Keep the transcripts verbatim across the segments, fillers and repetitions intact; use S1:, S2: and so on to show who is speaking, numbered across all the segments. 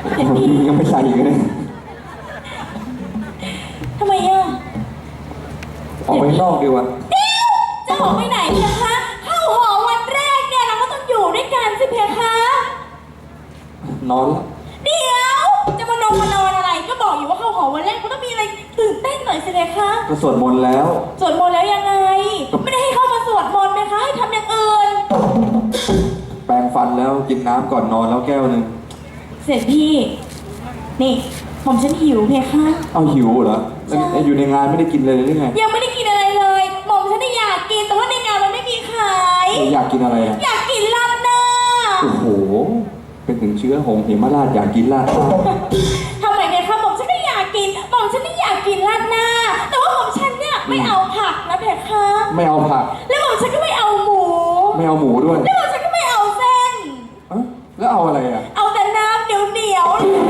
S1: ยังไม่ใส่อีกเลย
S2: ทำไมอ่ะ
S1: ออกไปนอกดีกว่า
S2: จะออกไปไหนเพคะเข้าหอวันแรกเนี่ยเราก็ต้องอยู่ด้วยกันสิเพคะ
S1: นอนแล้ว
S2: เดี๋ยวจะมานอนมานอนอะไรก็บอกอยู่ว่าเข้าหอวันแรกก็ต้องมีอะไรตื่นเต้นหน่อยสิเพคะ
S1: ก็สวดมนต์แล้ว
S2: สวดมนต์แล้วยังไงไม่ได้ให้เข้ามาสวดมนต์เพคะให้ทำอย่างอื่น
S1: แปรงฟันแล้วกินน้ำก่อนนอนแล้วแก้วหนึ่ง
S2: เสร็จพี่นี่ผมฉันหิวเพคะ
S1: เอาหิวเหรอแล้วอยู่ในงานไม่ได้กินเลยหรือไง
S2: ยังไม่ได้กินอะไรเลยหม่อมฉันอยากกินแต่ว่าในงานมันไม่มีขาย
S1: อยากกินอะไรอ่ะ
S2: อยากกินลาบหน้า
S1: โอ้โหเป็นถึงเชื้อหงเหมราชอยากกินลาบ
S2: ทำไมเนี่ยคะหม่อมฉันก็อยากกินหม่อมฉันไม่อยากกินลาบหน้าแต่ว่าหม่อมฉันเนี่ยไม่เอาผักนะเพคะ
S1: ไม่เอาผัก
S2: แล้วหม่อมฉันก็ไม่เอาหมู
S1: ไม่เอาหมูด้วย
S2: แล้วหม่อมฉันก็ไม่เอาเส้น
S1: แล้วเอาอะไรอ่ะ
S2: เอาแต่น้ำเดี๋ยวเดียว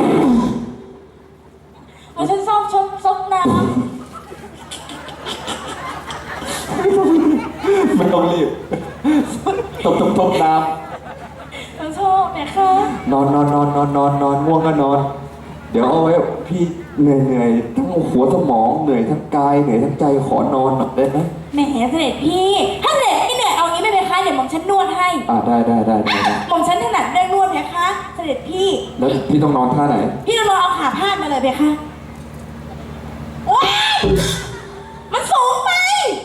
S2: หม่อมฉันชอบชอบซดน้ำ
S1: ไม่ต้องรีบตบตบตบน้ำ
S2: ฉันชอบเนี่ยค่ะ
S1: นอนนอนนอนนอนนอนนอนง่วงก็นอนเดี๋ยวเอาไว้พี่เหนื่อยเหนื่อยทั้งหัวสมองเหนื่อยทั้งกายเหนื่อยทั้งใจขอนอนหน่อยได้ไหม
S2: แหมเสด็จพี่ถ้าเสด็จพี่เหนื่อยเอางี้ไม่เป็นคะเดี๋ยวหม่อมฉันนวดให้
S1: อ่าได้ได้ได้ได้
S2: หม่อมฉันถนัดเรื่องนวดเพคะเสด็จพี่
S1: แล้วพี่ต้องนอนท่าไหน
S2: พี่ต้องนอนเอาขาพาดมาเลยเพคะว้ายมันสูงไป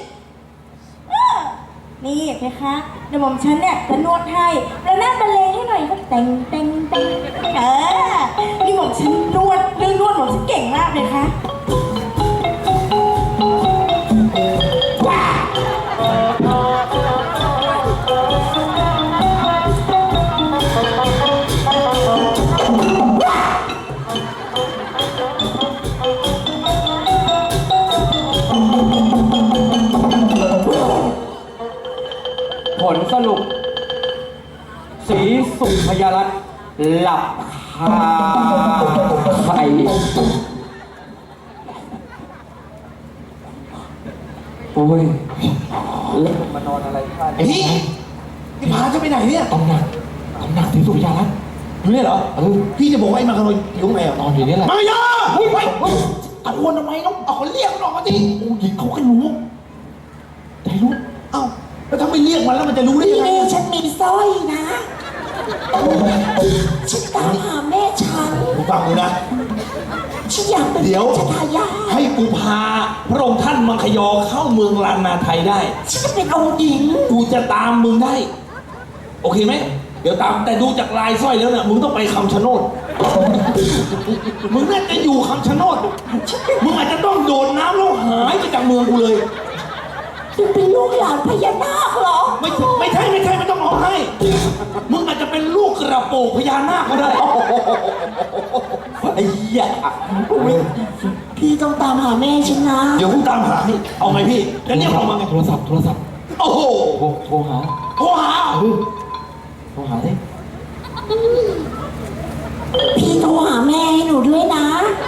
S2: นี่เพคะเดี๋ยวหม่อมฉันเนี่ยจะนวดให้แล้วนั่งบรรเลงให้หน่อยก็เต็งเต็งเต็งเออนี่หม่อมฉันนวดเรื่องนวดหม่อมฉันเก่งมากเลยค่ะ
S1: ผลสรุปสีสุพยรัตน์หลับคาไข่โอ้ยเล็กมานอนอะไรข้าง
S3: นี่พี่พาจะไปไหนเนี่ย
S1: ตำหนักตำหนักสีสุพยรัตน์
S3: อยู่เนี่ยเหรอ
S1: เออ
S3: พี่จะบอกว่าไอ้มาขโมยอยู่ไหนอ่ะ
S1: นอนอยู่นี่แหละ
S3: มายาเฮ้ยเฮ้ยตะโกนทำไมน้องเอาเรียกมันออกมาดิ
S1: โอ้ยเขาก็รู้แต่รู้
S3: เอ้าแล้วถ้าไม่เรียกมันแล้วมันจะรู้ได้ยังไง
S2: นี่ฉันมีสร้อยนะฉันตามหาแม่ฉัน
S3: กูฟังกูนะ
S2: ฉันอยากเป็นเดี๋ยว
S3: ให้กูพาพระองค์ท่านมังคยอเข้าเมืองลานนาไทยได้
S2: ฉันจะเป็นองค์หญิง
S3: กูจะตามมึงได้โอเคไหมเดี๋ยวตามแต่ดูจากลายสร้อยแล้วเนี่ยมึงต้องไปคำชะโนดมึงน่าจะอยู่คำชะโนดมึงอาจจะต้องโดดน้ำแล้วหายไปจากเมืองกูเลย
S2: จะเป็นลูกหลานพญานาคเหรอ
S3: ไม่ไม่ใช่ไม่ใช่ไม่ต้องร้องไห้มึงอาจจะเป็นลูกกระโปงพญานาคก็ได้
S1: ไอ้เหี้ย
S2: พี่ต้องตามหาแม่ฉันนะ
S3: เดี๋ยวกูตามหาให้เอาไงพี่แล้วเนี่ยเอามาไง
S1: โทรศัพท์โทรศัพท์
S3: โอ้โห
S1: โทรหา
S3: โทรหา
S1: โทรหาดิ
S2: พี่โทรหาแม่ให้หนูด้วยนะ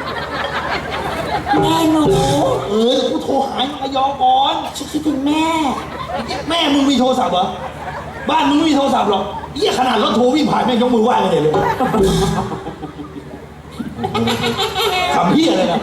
S2: แม่หนู
S3: เออกูโทรหามังคยอก่อน
S2: ฉันคิดถึงแม่
S3: แม่มึงมีโทรศัพท์เหรอบ้านมึงไม่มีโทรศัพท์หรอกเหี้ยขนาดรถโทรวิ่งผ่านแม่ยกมือไหว้กันเลยทำเหี้ยอะไรนะ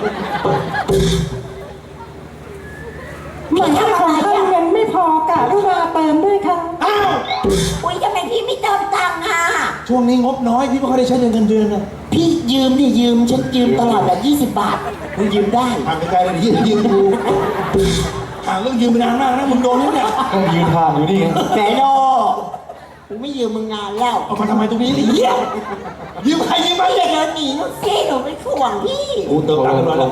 S2: เหมือนทำอะไรอ่ะ
S4: เงินไม่พอกะลูกมาเติมด้วยค่ะ
S3: อ้าว
S2: อุ้ยทำไมพี่ไม่เติมตังค์อ่ะ
S3: ช่วงนี้งบน้อยพี่ไม่ค่อยได้ใช้เงินเดือนนะ
S2: พี่ยืมดิยืมฉันยืมตลอดแบบยี่สิบบาทมึงยืมได้
S3: ห่างไกลๆเลยที่ยืมกูห่างเรื่องยืมไปนานมากนะมึงโดนนี่เนี่ย
S1: ต้องยืนทางอยู่นี่ไง
S2: แกโดกูไม่ยืมมึงนานแล้ว
S3: เอามาทำไมตรงนี้เหี้ยยืมใครยืมไป
S2: เนี่ยเดินหนีนู่นสิหนูไปข่วงพี่
S3: กูเติมตังค์กันแล้ว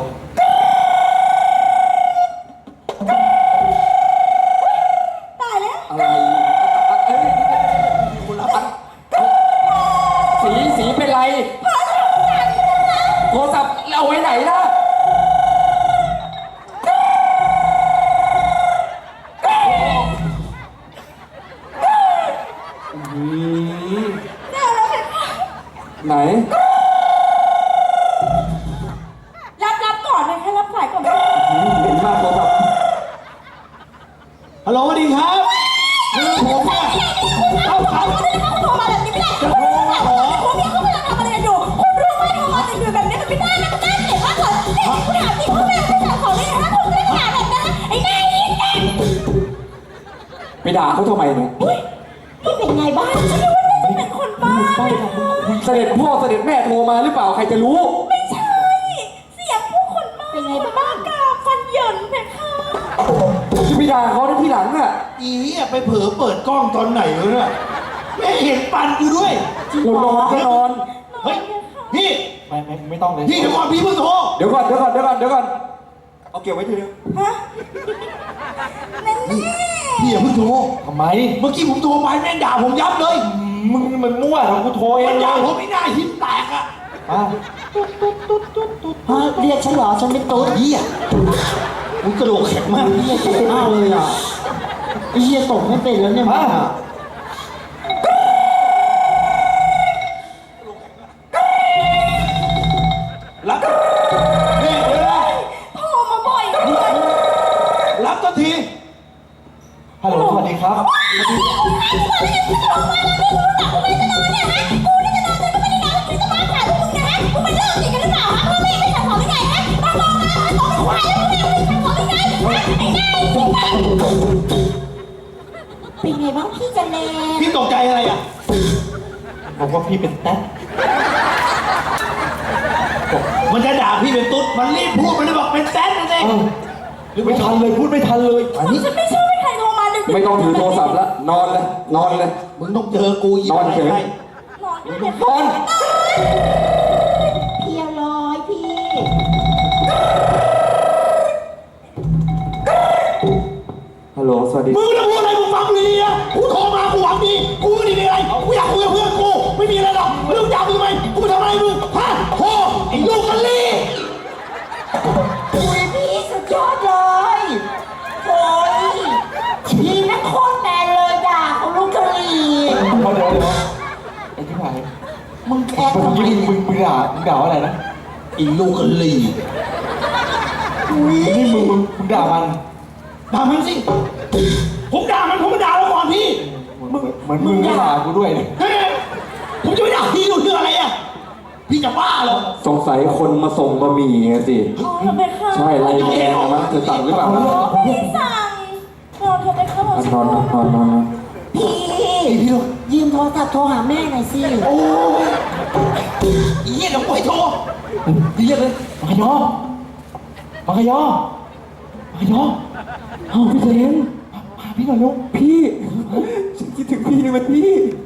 S2: ตายแล้ว
S1: อะไรสีสีเป็นไรโทรศัพท์เอาไว้ไหนล่ะไหน
S2: รับรับก่อนเลยค่ะรับสายก่อน
S1: เห็นมากโทรศัพท์
S3: ฮัลโหลสวัสดีครับคือผมเนี่ย
S2: เอาเขาไม่ได้เข้าโทรมาแบบนี้ไม่ได้จะโทรมาเหรอคุณพี่เขากำลังทำอะไรอยู่คุณรู้ไหมโทร
S1: ด่าเขาทำไมเนี่ย
S2: อุ้ยพี่เป็นไงบ้างฉันนึกว่าน่าจะเป็นคนบ้าเพคะ
S1: เสด็จพ่อเสด็จแม่โทรมาหรือเปล่าใครจะรู้
S2: ไม่ใช่ เสียงผู้คนบ้าเป็นไงบ้างกาฟันเหยินเพคะ
S1: จะไปด่าเขาในที่หลังน่ะ
S3: อีเหี้ยไปเผลอเปิดกล้องตอนไหนวะเนี่ยไม่เห็นปันกูด้วย
S1: กูนอนก็นอน
S3: เฮ้ยพี่
S5: ไม่ไม่ไม่ต้องเลย
S3: พี่เดี๋ยวก่อนพี่เพิ่งโทร
S1: เดี๋ยวก่อนเดี๋ยวก่อนเดี๋ยวก่อนเดี๋ยวก่อนเอาเก็บไว้ทีเดียว
S2: ฮะนั่นแน่
S3: พี่อย่าเพิ่งโทร
S5: ทำไม
S3: เมื่อกี้ผมโทรไปแม่งด่าผมยับเลย
S5: มึงมันมั่วของกูโทรเอ
S3: มั
S5: ง
S3: น
S5: เล
S3: ด่าย ผมไม่น่าหินแตกอะ
S5: อ่ะ
S4: ฮะเรียกฉันเหรอฉันเป็นตุ๊ด
S3: เหี้ยมึงกระโดดแข็งมาก
S4: เรียกฉันมากเลยอ่ะไอ้เหี้ยตกไม่เป็นแล้วเนี่ย
S5: มา
S3: รับนี่เดี๋ยวนะ
S2: โทรมาบ่อยเลย
S3: รับทันที
S5: ฮัลโหลสวัสดีครับ
S2: เป็นไงบ้างพี่จันเล
S3: พี่ตกใจอะไรอ่ะ
S5: บอกว่าพี่เป็นแต๊ด
S3: มันจะด่าพี่เป็นตุ๊ดมันรีบพูดมันเลยบอกเป็นแซดนั่นเอง
S5: เอ้าไม่ทันเลยพูดไม่ทันเลยอันนี้
S2: ฉันไม่ชอบให้ใครโทรมาดึกๆ
S1: ไม่ต้องถือโทรศัพท์แล้วนอนเลยนอนเลย
S3: มึงต้องเจอกูอีก
S1: นอนเฉย
S3: ไง
S2: นอนด้วย
S1: นอน
S2: เพียวร้อยพี่
S1: ฮัลโหลสวัสดี
S3: มึงจะพูดอะไรมึงฟังกูดีๆนะกูโทรมากูหวังดีกูไม่ได้มีอะไรกูอยากคุยกับเพื่อนกูไม่มีอะไรหรอกมึงจะเอากูทำไมกูไปทำอะไรมึงฮะโธ่ไอ้ลูกกันลี่
S2: คุยพี่สุดยอดเลยโอ้ยพี่นั่นโคตรแมนเลยด่าเขาลูกกะหรี่
S5: เดี๋ยวเดี๋ยวเดี๋ยวไอ้ที่ไหน
S2: มึงแคร์
S5: เมื่อ
S2: ทำไม
S5: กี้มึงมึงด่ามึงด่าว่าอะไรนะ
S3: ไอ้ลูกกันลี่
S5: นี่มึงมึงมึงด่ามัน
S3: ด่ามันสิผมด่ามันผมไม่ด่าแล้วก่อนพี่
S5: มึงเหมือนมึงไม่ด่ากูด้วยเนี่ย
S3: เฮ้ยผมจะไปด่าพี่ดูเรื่องอะไรอ่ะพี่จะบ้าเหรอ
S1: สงสัยคนมาส่งบะหมี่ไงสิ
S2: อ๋อเธอไปเข้า
S1: ใช่ไรแกงนะมั้งเธอสั่งหรือเปล่านะ
S2: ไม่ได้สั่งนอนเธอไปเข้าห้อง
S1: นอนนอนนอนนอนนอน
S2: พี่
S3: พี่ลูก
S2: ยืมโทรศัพท์โทรหาแม่หน่อยสิ
S3: โอ้ยอีเหี้ยเดี๋ยวกูไปโทร
S5: พี่เรียกเลยมังคยอมังคยอมังคยอเอาพี่เซนพาพี่หน่อยลูก
S1: พี่ฉันคิดถึงพี่เลยมันพี่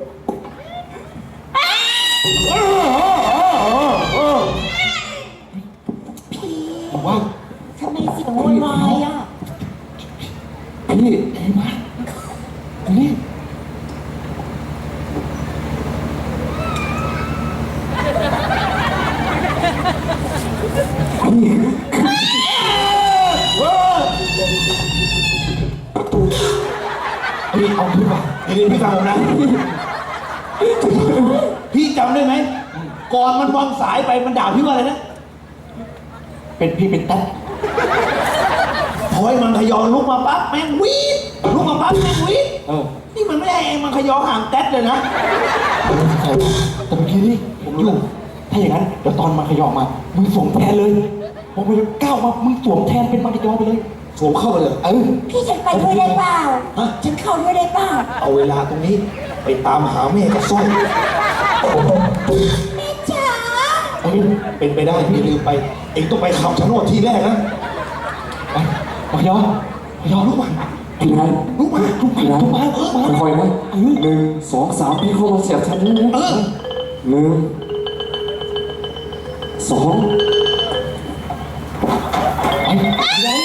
S5: บอกว่า
S2: ทำไมเสียงโวยวายอ่ะ
S1: พี่
S5: ไอ้มาตรงนี้
S3: พี่เอาพี่ป่ะเดี๋ยวพี่ฟังผมนะ พี่จำได้ไหม ก่อนมันวางสายไปมันด่าพี่ว่าอะไรนะ
S5: เป็นพี่เป็นแต๊ด
S3: พอให้มันขยอลุกมาปั๊บแม่งวีดลุกมาปั๊บแม่งวีด
S5: เออ
S3: นี่มันไม่ให้เองมันขยอห่างแต๊ดเลยนะ
S5: ใช่แต่เมื่อกี้นี่ผมอยู่ถ้าอย่างนั้นเดี๋ยวตอนมาขยอมามึงสวมแทนเลยพอมึงก้าวมามึงสวมแทนเป็นมังกรไปเลย
S3: สวมเข้าไปเลย
S5: เออ
S2: พี่ฉันไปด้วยได้เปล่า
S3: ฮะ
S2: ฉันเข้าด้วยได้เปล่า
S3: เอาเวลาตรงนี้ ไปตามหาแม่กับสร้อย
S2: แม่จ๋า
S5: เออ
S3: เป็นไปได้พี่ลืมไป เองต้องไปคำชะโนดทีแรกนะ
S5: ไปมังกรมังกรลุกมา
S1: พี่นาย
S3: ลุกมา
S5: ลุกมาลุกมาลุกมา
S1: ค่อยๆนะหนึ่งสองสามพี่เข้ามาเสียบฉันนี่นะ
S3: เออ
S1: หนึ่งสอง
S5: ไป